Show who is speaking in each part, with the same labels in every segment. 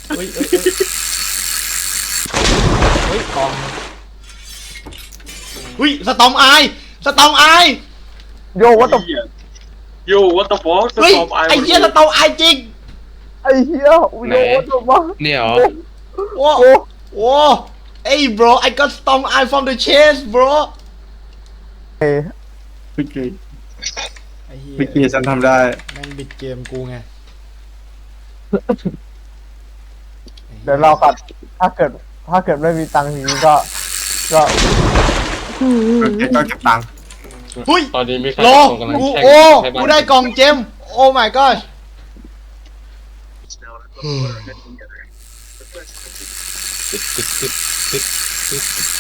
Speaker 1: เฮ้ยเฮ้ยกองเฮ้ยสตอมไอสตอมไอ
Speaker 2: โยวัตถุ
Speaker 3: โยวัตถุฟอส
Speaker 1: เฮ้ย
Speaker 3: ตอมไอ
Speaker 1: ไอ้เหี้ยสตอมไอจริง
Speaker 2: ไอ้เหี้ยโยวัตถุมา
Speaker 4: เนี่ยเหรอ
Speaker 1: โอ้โอ้เอ้ย bro I got storm eye from the chest bro
Speaker 5: เมื่อกี้
Speaker 1: ไอ้เหี้ย
Speaker 5: เมื่อกี้ฉันทำได้
Speaker 1: แม่งบิดเกมกูไง
Speaker 2: เดี๋ยวเรากัดถ้าเกิดไม่มีตังค์ทีนี้ก็
Speaker 5: ไอ้ต้องเก็บตังค์
Speaker 1: เฮ้ย
Speaker 4: ตอนนี้มีใคร
Speaker 1: รอ
Speaker 4: ส่งกำลัง
Speaker 1: กู
Speaker 4: แข่ง
Speaker 1: โอ้
Speaker 4: ให้บ้าน
Speaker 1: กูได้กล่องเจมโอ้ my god
Speaker 4: ติดติดติดติดติด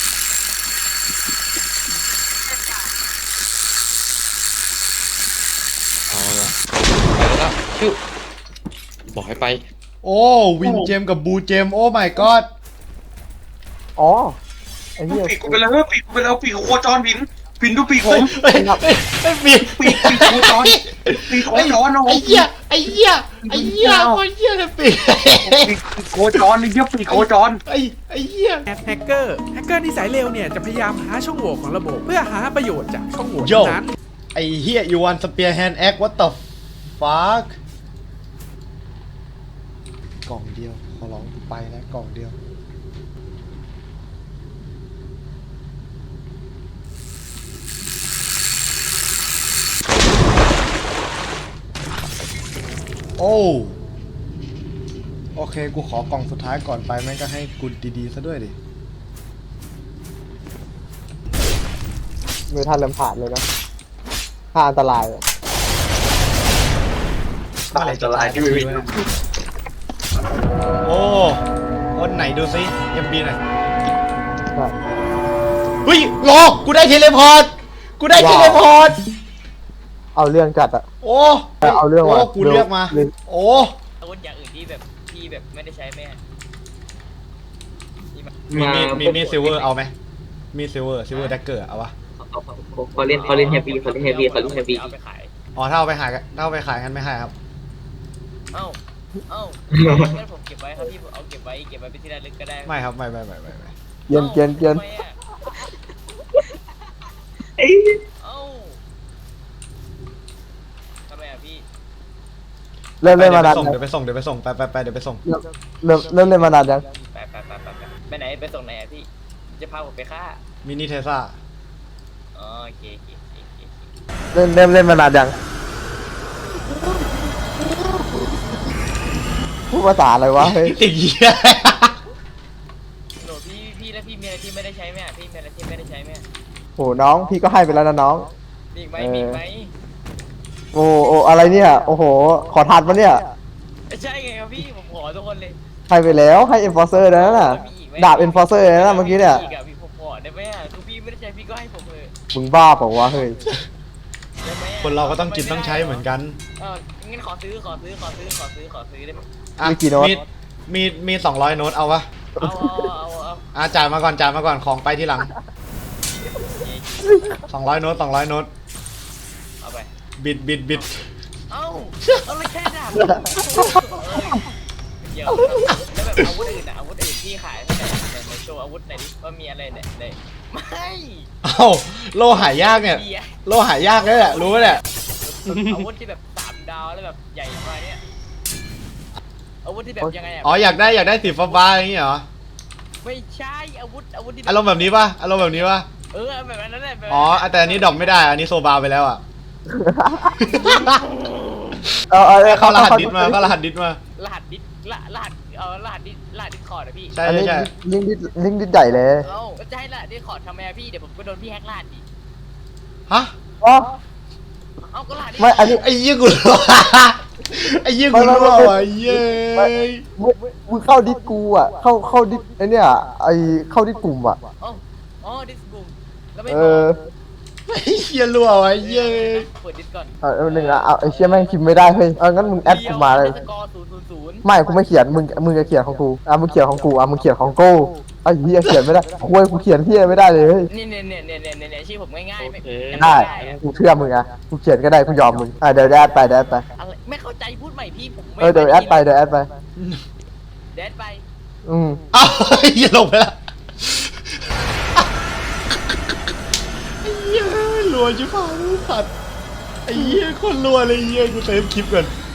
Speaker 4: เอาละไปแล้วชิวบอกให้ไป
Speaker 1: โอ้วินเจมกับบูเจมโอ้ my god
Speaker 2: อ๋อไอ้เหี้ย
Speaker 3: ปีกกูไปแล้วปีกกูไปแล้วปีกโคจรพินดูปีกผม
Speaker 1: เฮ้ยไม่ปี
Speaker 3: ปีกโคจรปีกโคจรนะผ
Speaker 1: ไอ้
Speaker 3: ม
Speaker 1: เหี้ยไอ้เหี้ยไอ้เหี้ยโคตรเหี้ยเลยปี
Speaker 3: ปีกโคจรนี่เยอะปีกโคจร
Speaker 1: ไอ้เหี้ย
Speaker 6: แฮกเกอร์นิสัยเลวเนี่ยจะพยายามหาช่องโหว่ของระบบ เพื่อหาประโยชน์จากช่องโหว่
Speaker 1: โย่
Speaker 6: นั้น
Speaker 1: ไอ้เหี้ย you want spear hand act what the fuck กล่องเดียวขอร้องกูไปแล้วกล่องเดียวโอ้โอเคกูขอกล่องสุดท้ายก่อนไปแม่งก็ให้กูดีๆซะด้วยดิ
Speaker 2: มือท่านเริ่มผ่านเลยนะถ้าอันตรายอะ
Speaker 3: ตายจะลายที่ไม่มี
Speaker 1: โอ้คนไหนดูซิเอ็มบีหน่อย
Speaker 2: ใช่
Speaker 1: เฮ้ยรอกูได้เทเลพอร์ตกูได้เทเลพอร์ต
Speaker 2: เอาเรื่องจัดอะ
Speaker 1: โอ้
Speaker 2: เอาเรื่อง
Speaker 1: โอ้
Speaker 2: ว่ะ
Speaker 1: กูเลือกมา
Speaker 2: เรื่อง
Speaker 1: โอ้
Speaker 7: อาวุธอย่างอื่นที่แบบไม่ได้ใช้แม่
Speaker 1: มีซิลเวอร์เอาไหมมีซิลเวอร์แดกเกอร์เอาปะ
Speaker 7: เขาเล่นเฮฟวี่เขาเล่นเฮฟวี่เอาไปขาย
Speaker 1: อ๋อถ้าเอาไปขายกันไม่ให้ครับ
Speaker 7: เอ้างั้นผมเก็บไว้ครับพี่ผมเอาเก็บไว้เป็นที่ระลึกก็ได้
Speaker 1: ไม่ครับไม่
Speaker 2: เกียน
Speaker 7: ทำไมอะเอ้าทำไมอะพี่
Speaker 2: เริ่มเล่นมานาน
Speaker 1: เดี๋ยวไปส่งไปเดี๋ยวไปส่งไปเดี๋ยวไปส่ง
Speaker 2: เริ่มเล่นมานานยัง
Speaker 7: ไปไหนไปส่งไหนอะพี่จะพาผมไปฆ่า
Speaker 1: มินิเทซ่า
Speaker 7: อ๋อโอเค
Speaker 2: เริ่มเล่นมานานยังพูดภาษาอะไรวะเฮ้ย
Speaker 1: ติดเหี้ย
Speaker 7: โหลพี่แล้วพี่มีอะไรที่ไม่ได้ใช้ไหมอะพี่มีอะไรที่ไม่ได้ใช้ไหมอะ
Speaker 2: โหน้องพี่ก็ให้ไปแล้วนะน้อง
Speaker 7: มีอีกไหม
Speaker 2: โอ้อะไรเนี่ยโอ้โหขอทันปะเนี่ย
Speaker 7: ใช่ไงครับพี่ผมขอทุกคนเลย
Speaker 2: ให้ไปแล้วให้ enforcer นะนั่นน่ะดาบ enforcer นะเมื่อกี้เนี่ย
Speaker 7: อีกอะพี่ผมขอได้ไหมอะคือพี่ไม่ได้ใช้พี่ก็ให้ผมเลย
Speaker 2: มึงบ้าเปล่าวะเฮ้ย
Speaker 7: ได้ไหมอะ
Speaker 1: คนเราก็ต้องกินต้องใช้เหมือนกัน
Speaker 7: งั้นขอซื้อได้ไหม
Speaker 1: อ่ะ
Speaker 2: มีกี่โน้ต
Speaker 1: มี200 โน้ตเอาปะ
Speaker 7: เอา
Speaker 1: จ่ายมาก่อนของไปที่หลัง200 โน้ต
Speaker 7: เอาไป
Speaker 1: บิด
Speaker 7: เอาเลยแค่ดาบเดี๋ยวแล้วแบบอาวุธอื่นอะอาวุธอื่นที่ขายเท่าไหร่ในโชว์อาวุธไหนดิว่ามีอะไรเนี่ยไม่
Speaker 1: เอ้าโลหายากเนี่ยโลหายากเลยแหละรู้ไหมเนี่ย
Speaker 7: อาวุธที่แบบ3 ดาวแล้วแบบใหญ่มาเนี่ยอาวุธที่แบบยังไงอะ
Speaker 1: อ๋ออยากได้สีฟ้าๆอย่างงี้เหรอ
Speaker 7: ไม่ใช่อาวุธที่
Speaker 1: อารมณ์แบบนี้ป่ะแบบนี้ป่ะ
Speaker 7: แบบนั้นแหละ
Speaker 1: อ๋อแต่อันนี้ดรอปไม่ได้อันนี้โซบาไปแล้วอ่ะ เข้ารหัสดิสมาร
Speaker 7: หัสดิสรหัสดิสคอร์ดอะพี่
Speaker 1: ใช่
Speaker 2: อันนี้
Speaker 1: ใช่
Speaker 2: ลิงดิดใหญ่เลย
Speaker 7: จะให้รหัสดิสคอร์ดทำไมอะพี่เดี๋ยวผมก็โดนพี่แฮกรหัสดิ
Speaker 1: ฮะ
Speaker 2: อ๋อ
Speaker 7: ก็รหัสดิส
Speaker 2: ไม่อันนี้
Speaker 1: ไอ้ยี่กูรัวไอ้ยี่กูรัวว่ะเย้ย
Speaker 2: มึงเข้าดิสกูอ่ะเข้าดิสไอเนี่ยไอเข้าดิสกลุ่มอ่ะ
Speaker 7: ดิสบูมแล้วไม่
Speaker 2: เอ
Speaker 7: บอก
Speaker 2: อ
Speaker 1: ไอ้เหี้ยรัวว่ะเย้ย
Speaker 7: เปิดดิสก่อน
Speaker 2: หนึ่งละเอาไอเชี่ยแม่งพิมพ์ไม่ได้เฮ้ยงั้นมึงแอดกูมาเลย
Speaker 7: สกอร์000
Speaker 2: ไม่กูไม่เขียนมึงจะเขียนของกูมึงเขียนของกูมึงเขียนของกูไอ้เหี้ยเขียนไม่ได้คุยกูเขียนเหี้ยไม่ได้เลยเฮ้ย
Speaker 7: เนี่ยชื่อผมง่ายๆไม่
Speaker 2: ได้กูเชื่อมึงอ่ะกูเขียนก็ได้กูยอมมึงเดี๋ยวแอดไป
Speaker 7: อะไรไม่เข้าใจพูดใหม่พี่ผม
Speaker 2: เดี๋ยวแอดไป
Speaker 7: เด็ดไป
Speaker 1: อ้าวเหี้ยลงไปละไอ้เหี้ยรัวชิบหายสัตว์ไอ้เหี้ยคนรัวเลยเหี้ยกูเซฟคลิปก่อน